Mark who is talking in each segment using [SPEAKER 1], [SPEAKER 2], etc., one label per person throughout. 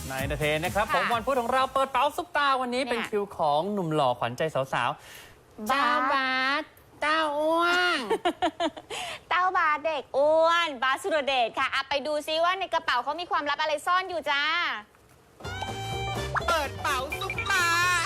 [SPEAKER 1] ในเดอะเทนนะครับผมวันพุธของเราเปิดเป๋าซุปตาวันนี้เป็นคิวของหนุ่มหล่อขวัญใจสาวๆเจ้าบาสเต้าอ้วน
[SPEAKER 2] เต้าบาสเด็กอ้วนบาสสุรเดชค่ะไปดูซิว่าในกระเป๋าเขามีความลับอะไรซ่อนอยู่จ้า
[SPEAKER 3] เปิดเป๋าซุปตา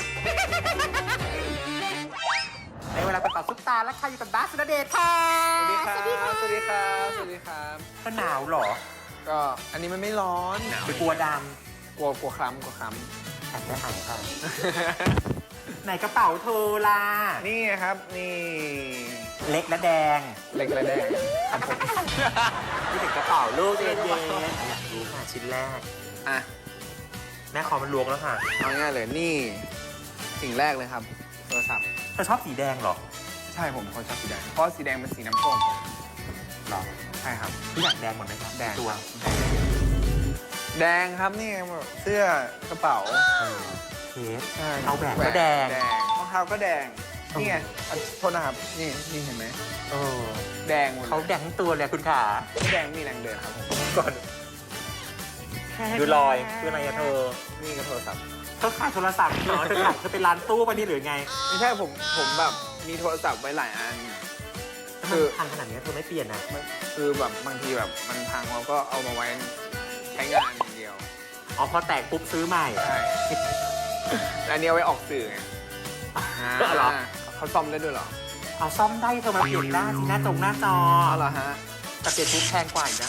[SPEAKER 3] ในเวลาเปิดเป๋าซุปตาและใครอยู่กับบาสสุรเดชค่ะ
[SPEAKER 4] สวัสดีครับ สวัสดีครับ สวัสดีครับ
[SPEAKER 3] ก็หนาวเหรอ
[SPEAKER 4] ก็อันนี้มันไม่ร้อน
[SPEAKER 3] หรือกลัวด
[SPEAKER 4] กลัวคล้ำ
[SPEAKER 3] ำอาจจะหายค่ะ ไหนกระเป๋าเธอล่ะ
[SPEAKER 4] นี่ไงครับ นี่
[SPEAKER 3] เล็กและแดง
[SPEAKER 4] เล็กและแดงครับผม
[SPEAKER 3] นี่ถึงกระเป๋าลูกเย็นๆอยากรู้ค่ะชิ้นแรก
[SPEAKER 4] อ่ะ
[SPEAKER 3] แม่ขอมันลวงแล้วค่ะ
[SPEAKER 4] เอาง่ายเลย นี่ สิ่งแรกเลยครับ โทรศัพท์
[SPEAKER 3] เธอชอบสีแดงเหรอ
[SPEAKER 4] ใช่ผมคนชอบสีแดง เพราะสีแดงเป็นสีน้ำส้ม
[SPEAKER 3] หรอ
[SPEAKER 4] ใช่ครับ
[SPEAKER 3] ทุกอย่างแดงหมดไหมครับ
[SPEAKER 4] แดง
[SPEAKER 3] ตัว
[SPEAKER 4] แดงครับ นี่แบบเสื้อกระเป๋า
[SPEAKER 3] เคส
[SPEAKER 4] ใช่
[SPEAKER 3] เอาแหวนก็แดง
[SPEAKER 4] รองเท้าก็แดง นี่ไงโทษนะครับ นี่เห็นไหม
[SPEAKER 3] เออ
[SPEAKER 4] แดงหมดเลย
[SPEAKER 3] เขาแดงทั้งตัวเลยคุณขา
[SPEAKER 4] ไม่แดงมีแรงเดินครับผม
[SPEAKER 3] ก่อน ดูรอยคืออะไรอะเธอ
[SPEAKER 4] นี่ก็โทรศัพท์
[SPEAKER 3] เธอขายโทรศัพท์เหรอเธอขายเธอเป็นร้านตู้ปะนี่หรือไง
[SPEAKER 4] ไม่ใช่ผมแบบมีโทรศัพท์ไว้หลายอัน
[SPEAKER 3] คือพังขนาดนี้เธอไม่เปลี่ยนนะ
[SPEAKER 4] คือแบบบางทีแบบมันพังเราก็เอามาไว้ใช้งานอย่างเดียว
[SPEAKER 3] อ๋อพอแตกปุ๊บซื้อใหม่
[SPEAKER 4] ใช่แล้วอันนี้เอาไว้ออกสื่อไง
[SPEAKER 3] เหรอ
[SPEAKER 4] เขาซ่อมได้ด้วยเหรอ
[SPEAKER 3] เอาซ่อมได้เธอมาเปลี่ยนได้ที่หน้าหน้าจอ
[SPEAKER 4] อ๋อเหรอฮะ
[SPEAKER 3] แต่เปลี่ยนปุ๊บแพงกว่าอีกนะ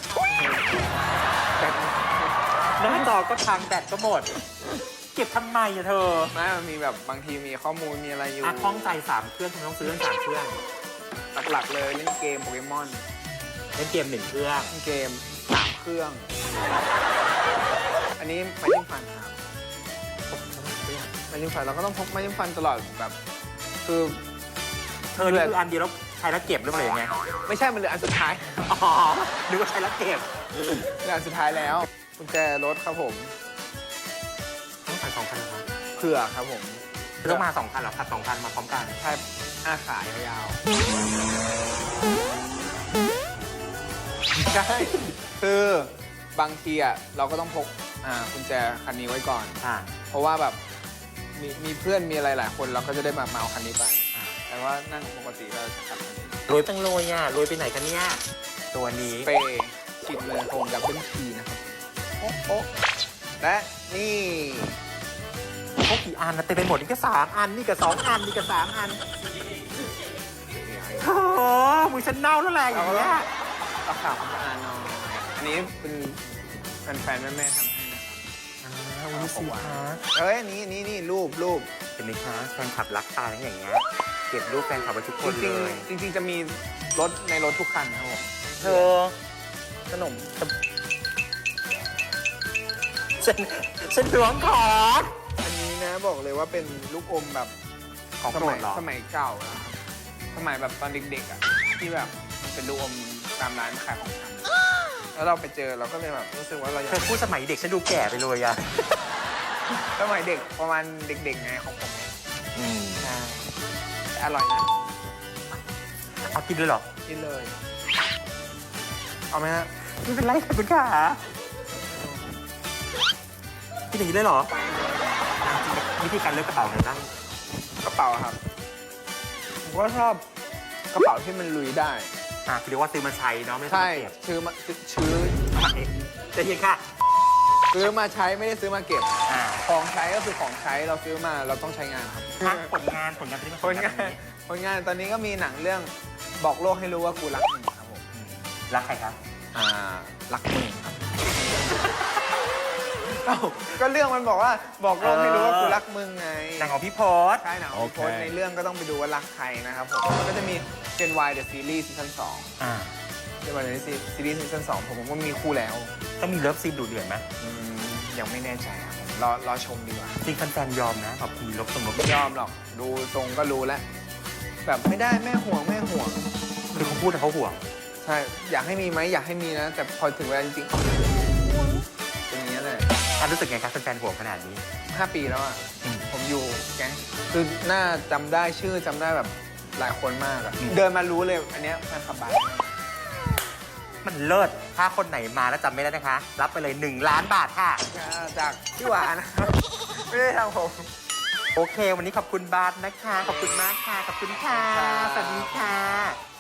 [SPEAKER 3] หน้าจอก็พังแบตก็หมด เก็บทำไมอะเธอ
[SPEAKER 4] ไม่มันมีแบบบางทีมีข้อมูลมีอะไรอยู่
[SPEAKER 3] คล้องใจ3เครื่องทำไมต้องซื้อทั้ง3เครื่อง
[SPEAKER 4] หลักๆเลยเล่นเกมโปเกมอน
[SPEAKER 3] เล่นเกม1เครื่อง
[SPEAKER 4] เล่นเกม3เครื่อง อันนี้ไม้จิ้มฟันครับไม้จิ้มฟันเราก็ต้องพกไม้จิ้มฟันตลอดแบบ คือ
[SPEAKER 3] เธอนี่คืออันเดียวแล้วใช้แล้วเก็บหรือเปล่ายังไง
[SPEAKER 4] ไม่ใช่มันเหลืออันสุดท้าย
[SPEAKER 3] อ๋อนึกว่าใช้แล้วเก็บ
[SPEAKER 4] เหลืออันสุดท้ายแล้วกุญแจรถครับผม
[SPEAKER 3] ต้องใส่2 คันนะครับ
[SPEAKER 4] เผื่อครับผม
[SPEAKER 3] ต้องมา2 คันเหรอขับ2 คันมาพร้อมกัน
[SPEAKER 4] ใช่ขายาวๆใช่คือบางทีอ่ะเราก็ต้องพกกุญแจคันนี้ไว้ก่อน เพราะว่าแบบมีเพื่อนมีอะไรหลายคนเราก็จะได้มาเอาคันนี้ไปแต่ว่านั่งปกติเราจะขับคันนี้
[SPEAKER 3] รวยจังเลยอ่ะรวยไปไหนกันเนี่ยตัวนี้
[SPEAKER 4] เปย์ฉีดเลยโฮมดับเบิลทีนะครับโอ๊ะและนี่
[SPEAKER 3] พวกกี่อันนะเต็มไปหมดนี่ก็3 อันนี่ก็2 อันนี่ก็3 อันโอ้โหมือฉันเน่าแล้วแหละอย่างเงี้ย
[SPEAKER 4] เอาข่าวของอ่านหน่อยอันนี้เป็นแฟนๆแม่ๆทำให้นะครับ
[SPEAKER 3] วันนี้สิคะ
[SPEAKER 4] เอ้ยนี่รูป
[SPEAKER 3] เห็นไหมคะแฟนคลับรักตาอย่างเงี้ยเก็บรูปแฟนคลับไว้ทุกคนเลย
[SPEAKER 4] จริงๆจะมีรถในรถทุกคันนะครับผม
[SPEAKER 3] เธอ
[SPEAKER 4] ขนม
[SPEAKER 3] ฉันหวงขอ
[SPEAKER 4] อันนี้นะบอกเลยว่าเป็นลูกอมแบบ
[SPEAKER 3] ของ
[SPEAKER 4] ส
[SPEAKER 3] โปร
[SPEAKER 4] มั
[SPEAKER 3] ด
[SPEAKER 4] ย
[SPEAKER 3] เหรอ
[SPEAKER 4] สมัยเก่านะครับสมัยแบบตอนเด็กๆอ่ะที่แบบมันเป็นลูกอมตามร้านขายของชำแล้วเราไปเจอเราก็เลยแบบรู้สึกว่าเราอยา
[SPEAKER 3] เธอก พูดสมัยเด็กฉันดูแก่ไปเลยอะ
[SPEAKER 4] สมัยเด็กประมาณเด็กๆไงของผมเนี่ย
[SPEAKER 3] ใช่
[SPEAKER 4] แต่อร่อยนะ
[SPEAKER 3] เอากินเลยเหรอ
[SPEAKER 4] กินเลย เอาไหมฮะ
[SPEAKER 3] ไม่เป็นไรค่ะคุณขากินอย่างนี้เลยเหรอวิธีการเลือกกระเป๋าไงบ้าง
[SPEAKER 4] กระเป๋าครับผมก็ชอบกระเป๋าที่มันลุยได้
[SPEAKER 3] คือเรียกว่าซื้อมาใช้เนาะไม่
[SPEAKER 4] ใช่
[SPEAKER 3] เก็บ
[SPEAKER 4] ซื้อ
[SPEAKER 3] จะเย็นค่ะ
[SPEAKER 4] ซื้อมาใช้ไม่ได้ซื้อมาเก็บ
[SPEAKER 3] อ่า
[SPEAKER 4] ของใช้ก็คือของใช้เราซื้อมาเราต้องใช้งานครับ
[SPEAKER 3] ผลงานที่มัน
[SPEAKER 4] ผลงานตอนนี้ก็มีหนังเรื่องบอกโลกให้รู้ว่ากูรักมึงครับผม
[SPEAKER 3] รักใครครับ
[SPEAKER 4] รักมึงครับเอ้าก็เรื่องมันบอกว่าบอกโลกให้รู้ว่ากูรักมึงไง
[SPEAKER 3] หนังของพี่พศ
[SPEAKER 4] ใช่หนังของพี่พจน์ในเรื่องก็ต้องไปดูว่ารักใครนะครับผมก็จะมี Gen Y The Series ซีซั่น2 Gen Y The Series ซีซั่น2ผมว่ามีคู่แล้ว
[SPEAKER 3] ต้องมีเลิฟซีนดูเดือดไหม
[SPEAKER 4] ยังไม่แน่ใจครับผมรอชมดีกว่า
[SPEAKER 3] จริงแฟนๆยอมนะแบบมีลบตรงลบ
[SPEAKER 4] ไม่ยอมหรอกดูทรงก็รู้แล้วแบบไม่ได้แม่ห่วง
[SPEAKER 3] คือเขาพูดแต่เขาห่วง
[SPEAKER 4] ใช่อยากให้มีไหมอยากให้มีนะ แต่พอถึงเวลาจริงๆเป็นอย่างนี้ยเลย
[SPEAKER 3] รู้สึกไงครับแฟนๆห่วงขนาดนี้
[SPEAKER 4] 5 ปีแล้วอ่ะผมอยู่แก๊งคือหน้าจำได้ชื่อจำได้แบบหลายคนมากอะเดินมารู้เลยอันเนี้ยแฟนคลับบาส
[SPEAKER 3] มันเลิศถ้าคนไหนมาแล้วจำไม่ได้นะคะ รับไปเลย 1 ล้านบาทค่ะ
[SPEAKER 4] จากพี่หวานนะครับ ไม่ได้ทำผม
[SPEAKER 3] โอเค วันนี้ขอบคุณบาสนะคะ ขอบคุณมากค่ะ ขอบคุณค่ะ สวัสดีค่ะ